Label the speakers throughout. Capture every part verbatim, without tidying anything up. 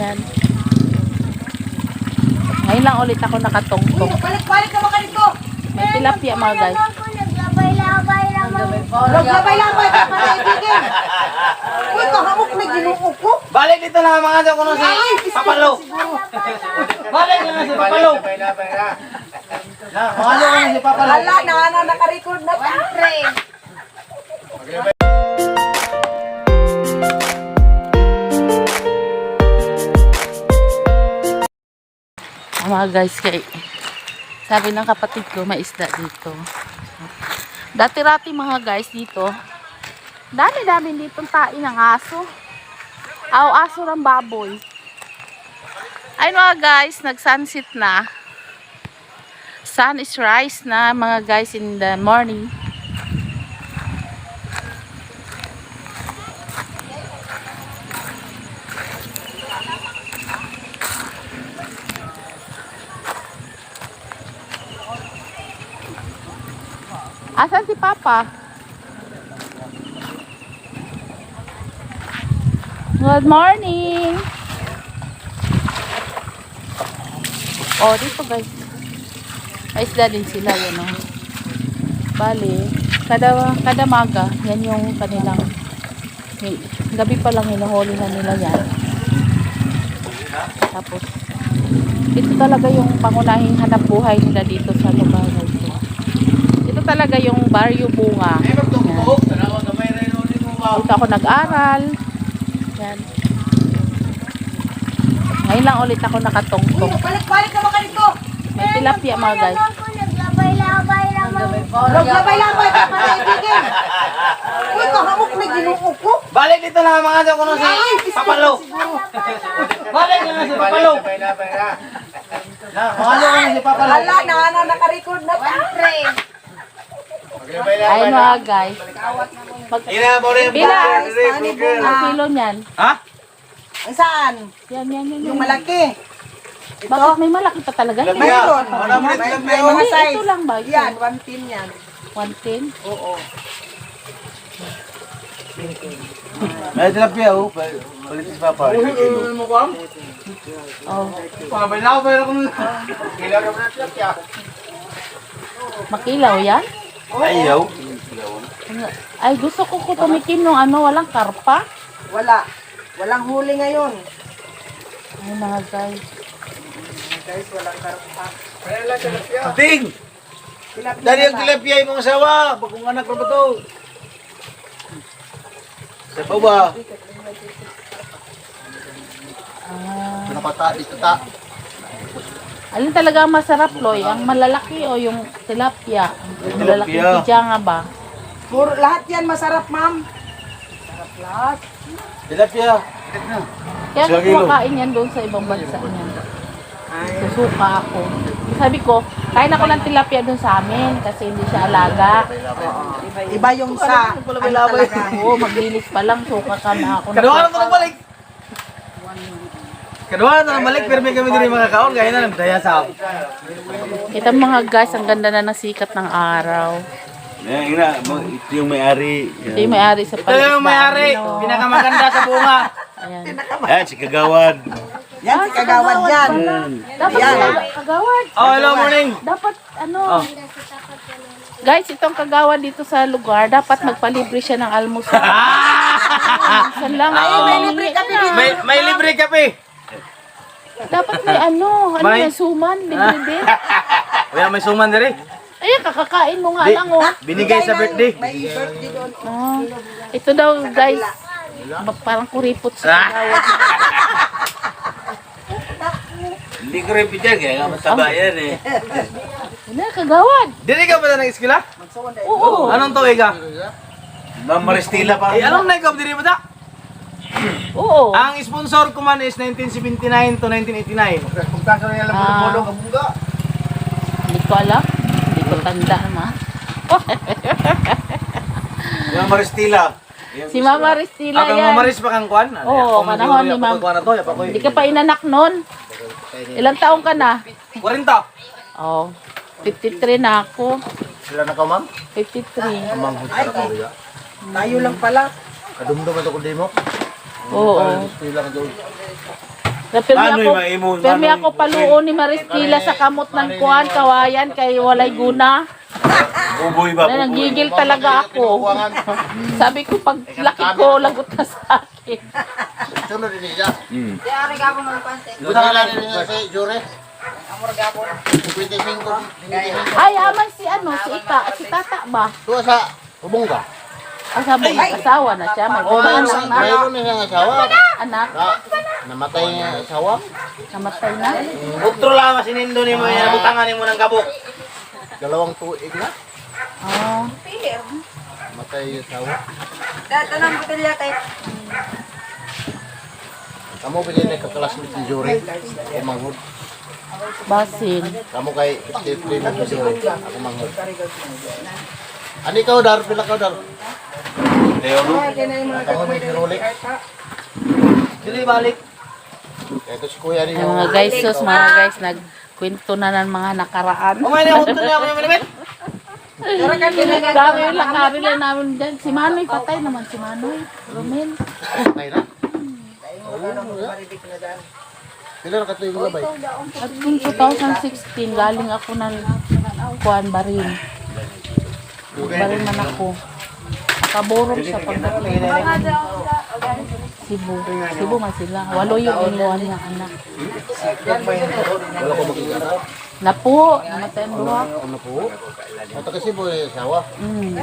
Speaker 1: Yan. Ngayon lang ulit ako nakatungtong.
Speaker 2: Balik-balik naman ka dito.
Speaker 1: May tilapia mga guys.
Speaker 2: Naglabay-labay naman. Naglabay-labay ka pa naitigin. Uy, kahamok na ginuok ko.
Speaker 3: Balik dito na mga sa kuno si Papalo. Balik na si Papalo. Na, mga na si Papalo.
Speaker 2: Hala, na na naka-record na ta.
Speaker 1: Mga guys, kay sabi ng kapatid ko may isda dito. Dati-rati mga guys dito, dami-dami ditong tain ng aso. Aw, aso ng baboy. Ay mga guys, nag-sunset na. Sun is rise na mga guys in the morning. Asan si Papa? Good morning! Oh, dito guys. May isda din sila, yan o. Bali, kada, kada maga, yan yung kanilang, gabi pa lang hinuhuli na nila yan. Tapos, ito talaga yung pangunahing hanap buhay nila dito sa lugar na ito. Ito talaga yung Barrio Bunga. Yan. Dito ako nag-aral. Yan. Ngayon lang ulit ako nakatungtong.
Speaker 2: Balik-balik naman ka dito.
Speaker 1: May tilapia mga guys.
Speaker 2: Naglabay-labay naman. Naglabay-labay ka pa naitigin. Uy, kahamok na ginuok ko.
Speaker 3: Balik dito na mga sa kuno si Papalo. Balik na si Papalo. Na, mga na si Papalo.
Speaker 2: Hala, na na naka-record na ta.
Speaker 1: Ay mga guys. Mag Bilang. Ang kilo niyan.
Speaker 3: Ha?
Speaker 2: Ang saan?
Speaker 1: Yan, yan, yan.
Speaker 2: Yung
Speaker 1: yan.
Speaker 2: malaki.
Speaker 1: Bakit may malaki pa talaga? Hindi.
Speaker 2: Mayroon.
Speaker 3: Wala mo rin
Speaker 2: May,
Speaker 3: tilapia,
Speaker 2: may
Speaker 3: oh.
Speaker 2: mga
Speaker 1: Hindi,
Speaker 2: size.
Speaker 1: ito lang ba? Ito.
Speaker 2: Yan, one tin yan.
Speaker 1: one ten.
Speaker 2: Oo.
Speaker 3: May tilapia oh. Balik si Papa. Mo ko am?
Speaker 1: Oh.
Speaker 3: Pabay na ako pero kung kailan ka na tilapia.
Speaker 1: Makilaw yan?
Speaker 3: Ayaw.
Speaker 1: Ay, gusto ko ko tumikim ng ano, walang karpa.
Speaker 2: Wala. Walang huli ngayon.
Speaker 1: Ay mga guys.
Speaker 2: Guys, walang karpa.
Speaker 3: Ding!
Speaker 2: Tilapia
Speaker 3: Dari ang
Speaker 2: na.
Speaker 3: tilapia yung mga sawa. Bagong anak ko ba to? Sa baba.
Speaker 1: Ah,
Speaker 3: Pinapata dito ta.
Speaker 1: alin talaga ang masarap, Loy? Ang malalaki o yung tilapia? Yung malalaki
Speaker 3: Tilapia.
Speaker 1: pijanga ba?
Speaker 2: Puro, lahat yan masarap, ma'am. Masarap lahat.
Speaker 3: Tilapia.
Speaker 1: Kaya
Speaker 3: Isang
Speaker 1: ako
Speaker 3: kilo.
Speaker 1: kumakain yan doon sa ibang bansa niyan. Susuka ako. Sabi ko, kain ako ng tilapia doon sa amin kasi hindi siya alaga.
Speaker 2: Iba yung sa, ano talaga.
Speaker 1: Oo, maglinis pa lang, suka ka na ako.
Speaker 3: Kaduha na ito na balik. Kaduha na ito na balik pero may kami din mga kaon. Kaya na nagdaya sa ako.
Speaker 1: Ito mga guys, ang ganda na ng sikat ng araw.
Speaker 4: Yan, ina, mo- ito yung may-ari.
Speaker 1: Ito yung may-ari sa
Speaker 3: Ito yung may-ari.
Speaker 1: no?
Speaker 3: Pinakamaganda sa bunga.
Speaker 1: Ayan.
Speaker 4: Yan, si Kagawad.
Speaker 2: Yan, si Kagawad yan.
Speaker 1: Dapat
Speaker 2: Yan.
Speaker 1: yan. Kagawad.
Speaker 3: Oh, hello morning.
Speaker 1: Dapat ano. Guys, itong kagawad dito sa lugar, dapat magpalibre siya ng almusal. Minsan lang.
Speaker 3: Oo.
Speaker 1: May libre kami.
Speaker 3: May, may libre kape.
Speaker 1: Dapat may ano, ano
Speaker 3: May-
Speaker 1: yan, suman, libre din.
Speaker 3: Wala may suman diri.
Speaker 1: Ayan, kakakain mo nga
Speaker 3: Di,
Speaker 1: lang oh.
Speaker 3: binigay sa birthday.
Speaker 2: May birthday doon.
Speaker 1: Ah, ito daw guys, ba- parang kuripot sa kagawad.
Speaker 4: Hindi ko rin pidyan, kaya nga mataba yan eh.
Speaker 1: Ano, kagawad?
Speaker 3: Dili ka ba na nag-eskwela?
Speaker 1: Oo.
Speaker 3: Anong tuwi ka?
Speaker 4: Ma'am Maristila pa.
Speaker 3: Eh, anong na-ikaw diri ba ta?
Speaker 1: Oo.
Speaker 3: Ang sponsor ko man is nineteen seventy-nine to nineteen eighty-nine. Kung kaso na lang
Speaker 1: Ah.
Speaker 3: bulong kabungga.
Speaker 1: Hindi ko alam. Hindi ko tanda naman.
Speaker 4: Ma'am Maristila.
Speaker 1: Si Mama Ristila
Speaker 3: Akang
Speaker 1: yan.
Speaker 3: mamaris pa kang kwan? Ano,
Speaker 1: Oo,
Speaker 3: ako
Speaker 1: panahon
Speaker 3: mag-iuri,
Speaker 1: ni
Speaker 3: ako
Speaker 1: Ma'am.
Speaker 3: magkuhan na to, yapa ko eh.
Speaker 1: Hindi ka pa inanak nun. Ilang taong ka na?
Speaker 3: forty.
Speaker 1: Oh, fifty-three na ako.
Speaker 3: Sila na ka, ma'am?
Speaker 1: fifty-three.
Speaker 3: Amang
Speaker 2: Ay, tayo lang pala.
Speaker 3: Kadumdum ito kundi mo.
Speaker 1: Oo.
Speaker 3: Sila ka doon.
Speaker 1: Permi
Speaker 4: Ano
Speaker 1: ako,
Speaker 4: yung maimon?
Speaker 1: permi
Speaker 4: Ano
Speaker 1: ako paluon ni Maristila sa kamot ng kuan, kawayan, kay walay guna.
Speaker 4: Buboy ba?
Speaker 1: Na nagigil talaga ako. Sabi ko, pag laki ko, lagot na sa akin.
Speaker 2: Sunod din niya.
Speaker 4: Hmm.
Speaker 2: Buta lang din niya si Jure. twenty-five.
Speaker 1: Ay, aman si ano, si Ika, si Tata ba?
Speaker 2: Tuwa sa Ubongga.
Speaker 1: Asawa, asawa na siya, may
Speaker 2: Oh,
Speaker 1: anak
Speaker 2: mayroon
Speaker 1: na.
Speaker 2: mayroon na siyang asawa.
Speaker 1: Anak,
Speaker 2: Na, namatay niya ang asawa.
Speaker 1: namatay na.
Speaker 3: Utro lang masinindo ni mo yan. Butangan ni mo ng gabok.
Speaker 2: Dalawang tuig na.
Speaker 1: Oh,
Speaker 2: Namatay yung asawa.
Speaker 5: Dito ng botelya tayo.
Speaker 2: Kamu pili na kaklasmate ni Jure. Ako manghod.
Speaker 1: basin.
Speaker 2: Kamu kay fifty-three mo si Jure. Ako manghod. Ano ikaw, Dar? Pila ka, Dar?
Speaker 4: Leo, no?
Speaker 2: Kamu ni si Rolex.
Speaker 3: Dili balik.
Speaker 2: Ito si Kuya
Speaker 1: Ay,
Speaker 2: ninyo.
Speaker 1: mga guys, sus, mga guys, nagkwento na ng mga nakaraan.
Speaker 3: Umay na utro niya ako yung malimit.
Speaker 1: Dami yung lakari lang namin dyan. Si Manoy, patay naman si Manoy. Romel.
Speaker 2: Patay na. Pila na katuig mo labay?
Speaker 1: At kung twenty sixteen, galing ako ng kuan barin. Barin man ako. Nakaborong siya pagdating. Cebu. Cebu man sila. Walo yung inuwan niya anak.
Speaker 2: Wala ko makikita.
Speaker 1: Napo, namatay ang duha.
Speaker 2: Ano po? Ito kasi po yung asawa.
Speaker 1: Mm.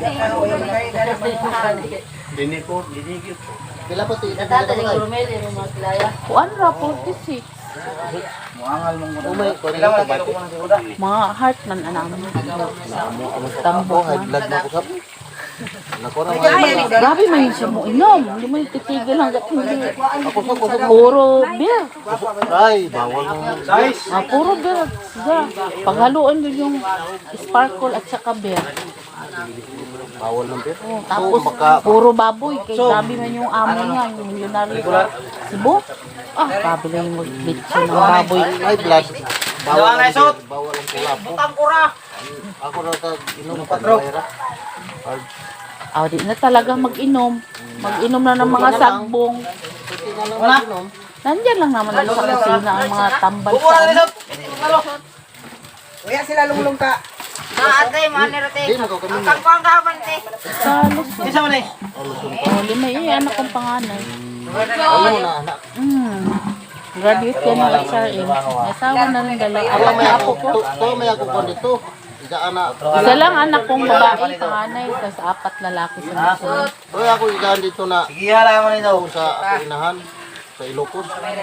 Speaker 4: Dini ko, dini ko.
Speaker 2: Pila pa ti? Pila ka ba?
Speaker 1: Kuan ra, forty-six.
Speaker 2: Umay, ko rin ito ba?
Speaker 1: Mga heart man anamin.
Speaker 2: Tambo, high blood na ako sa... Nako na mga...
Speaker 1: Grabe man yung siya mo inom. Hindi mo yung titigil hanggat hindi.
Speaker 2: Ako sa kusog mo.
Speaker 1: Puro beer.
Speaker 2: Ay, bawal mo.
Speaker 3: Guys.
Speaker 1: Ah, puro beer. Siya. Paghaluan yun yung sparkle at saka beer.
Speaker 2: Bawal ng beer.
Speaker 1: Oh, tapos
Speaker 2: baka-
Speaker 1: puro baboy. Kay grabe man yung amo niya. Yung milyonary Cebu. Ah, grabe na yung lechon ng baboy.
Speaker 2: High blood. Bawal
Speaker 3: Dawa na
Speaker 2: ang
Speaker 3: isot.
Speaker 2: beer. Bawal ang kulapo.
Speaker 3: Utang kura.
Speaker 2: Ako na ito, inom pa na Hard.
Speaker 1: Ah, di na talaga mag-inom. Mag-inom na ng mga sagbong.
Speaker 2: Pwede na lang mag-inom.
Speaker 1: Nandyan lang naman sa kusina ang mga tambal
Speaker 3: Bukura
Speaker 1: sa
Speaker 3: na isot. Talo.
Speaker 5: Kuya sila lumulong ka. Maatay, manero te.
Speaker 2: Hindi, magkakamin
Speaker 5: Ang
Speaker 2: na.
Speaker 5: kangkong kahaban te.
Speaker 1: sa Luzon.
Speaker 3: Isa man eh.
Speaker 1: Oh, lima eh, anak kong panganay.
Speaker 2: Ano na, anak.
Speaker 1: Mm. Graduate yan ng H R M. May asawa na rin dalawa.
Speaker 2: Ako
Speaker 1: Apat
Speaker 2: may
Speaker 1: na
Speaker 2: ako,
Speaker 1: apo ko.
Speaker 2: to, to may ako ko dito. Isa anak.
Speaker 1: Isa lang anak kong babae, panganay, tapos apat lalaki sa Luzon.
Speaker 2: Toy ako igaan dito na
Speaker 3: Sige, hala mo nito.
Speaker 2: sa inahan sa Ilocos.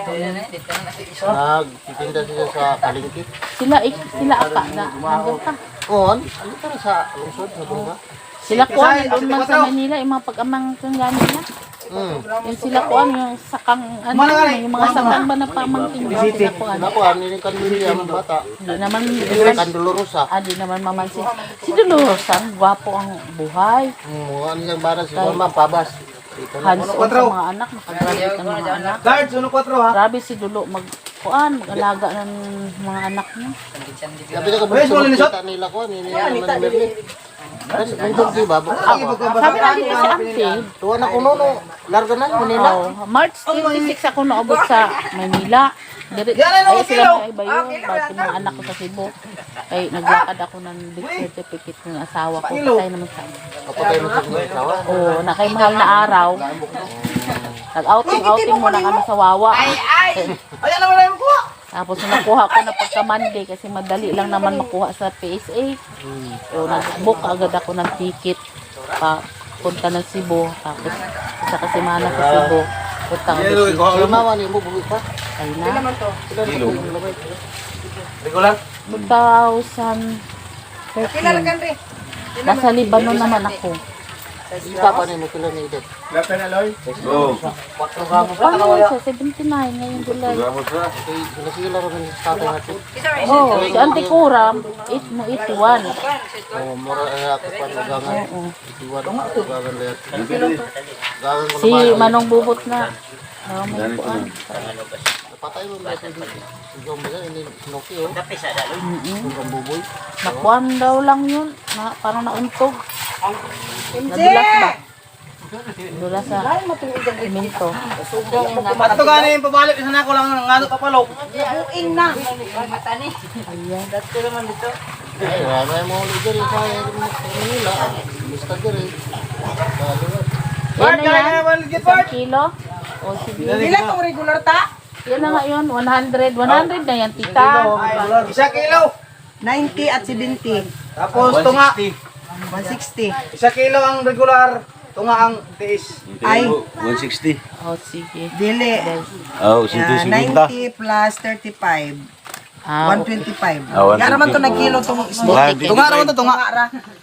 Speaker 2: Nagtitinda siya sa palengke.
Speaker 1: Sila, ik- sila apa na, nandun pa.
Speaker 2: On, ano ka na sa lungsod sa Bunga?
Speaker 1: Sila kuha, nandun man sa Manila, yung mga pag-amang kong gamit na.
Speaker 2: Hmm.
Speaker 1: Yung sila kuha, yung sakang, ano, yung mga sakang ba na pamangkin mo, sila kuha.
Speaker 2: Ako, ano yung kanilya ang bata?
Speaker 1: Hindi naman,
Speaker 2: Kandolorosa.
Speaker 1: ah, di naman mamansin. Si Dolores, ang gwapo ang buhay.
Speaker 2: Hmm, ano yung bata si Mama, pabas. Dito na.
Speaker 1: Hands-on sa mga anak, nakagraduate ng mga anak.
Speaker 3: Guards, uno kwatro ha.
Speaker 1: Grabe si Dulo, mag, kuan, mag-alaga ng mga anak niya.
Speaker 2: Sabi na ka,
Speaker 3: Where's
Speaker 2: gusto
Speaker 3: Molly Nisot?
Speaker 2: makita nila ko, nila naman ni Merlin. May dog ba?
Speaker 1: Sabi na dito si Auntie,
Speaker 2: Tuwa na ko nono, larga na, Manila.
Speaker 1: oh, March twenty-six ako naabot sa Manila. Dire,
Speaker 3: Yan, ano,
Speaker 1: ay sila
Speaker 3: kilo?
Speaker 1: mga iba yun, bakit yung mga anak ko sa Cebu. Ay, naglakad ako ng birth certificate ng asawa ko. Patay naman sa
Speaker 2: Kapatay mo sa mga asawa.
Speaker 1: Oo, na kay mahal na araw. Nag-outing-outing muna kami sa Wawa.
Speaker 3: Ayan naman na yung kuha.
Speaker 1: Tapos nung nakuha ko na pagka Monday kasi madali lang naman makuha sa P S A. So nag-book agad ako ng ticket pa punta ng Cebu. Tapos isa kasi mana sa Cebu. Punta ng
Speaker 2: Si Mama ni mo, buwi pa.
Speaker 1: Ay na.
Speaker 3: Regular.
Speaker 1: two thousand thirteen. Nasa Lebanon naman ako.
Speaker 2: Isa pa ni mo kila ni Edith.
Speaker 4: Oh,
Speaker 1: Ano siya? seventy-nine ngayong July.
Speaker 4: gamos na.
Speaker 2: Okay, sila sila rin sa tatay natin.
Speaker 1: Oh, si Auntie Kuram, eight mo eighty-one.
Speaker 2: Oh, mura ay ako pa lugangan.
Speaker 1: Oo.
Speaker 2: Itiwan ako lugangan lahat. Lugangan ko
Speaker 1: Si
Speaker 2: naman.
Speaker 1: Manong Bubot na. Oh, may kuan.
Speaker 2: Napatay mo ba ito dito? Ikaw ba yan? Ini Snoopy oh.
Speaker 1: Mm-mm.
Speaker 2: Ang buboy.
Speaker 1: Nakuan daw lang yun. Na, parang nauntog. Nadulas ba? Dula sa minto.
Speaker 3: At ito gani yung pabalik isa na ako lang ng ano papalo.
Speaker 2: Buing na.
Speaker 1: Ayan.
Speaker 3: Bart,
Speaker 1: Yan na
Speaker 3: kaya
Speaker 1: yan.
Speaker 3: nga naman legit
Speaker 1: Isang
Speaker 3: Bart.
Speaker 1: kilo. O sige.
Speaker 2: Pila tong regular ta?
Speaker 1: Yan na nga yun. one hundred. one hundred na yan, tita.
Speaker 3: Isa kilo.
Speaker 2: ninety at seventy.
Speaker 3: Tapos tunga.
Speaker 2: one sixty.
Speaker 3: Isa kilo ang regular. Tunga ang tiis.
Speaker 2: Ay.
Speaker 4: one sixty.
Speaker 1: O sige.
Speaker 2: Dili.
Speaker 4: Oh,
Speaker 2: Yeah, ninety plus thirty-five.
Speaker 1: Ah,
Speaker 2: one twenty-five.
Speaker 4: Ah, one
Speaker 2: Nga naman to
Speaker 4: twenty.
Speaker 2: nagkilo tong
Speaker 1: Buti.
Speaker 3: Tunga naman to tunga.
Speaker 2: Tunga ra.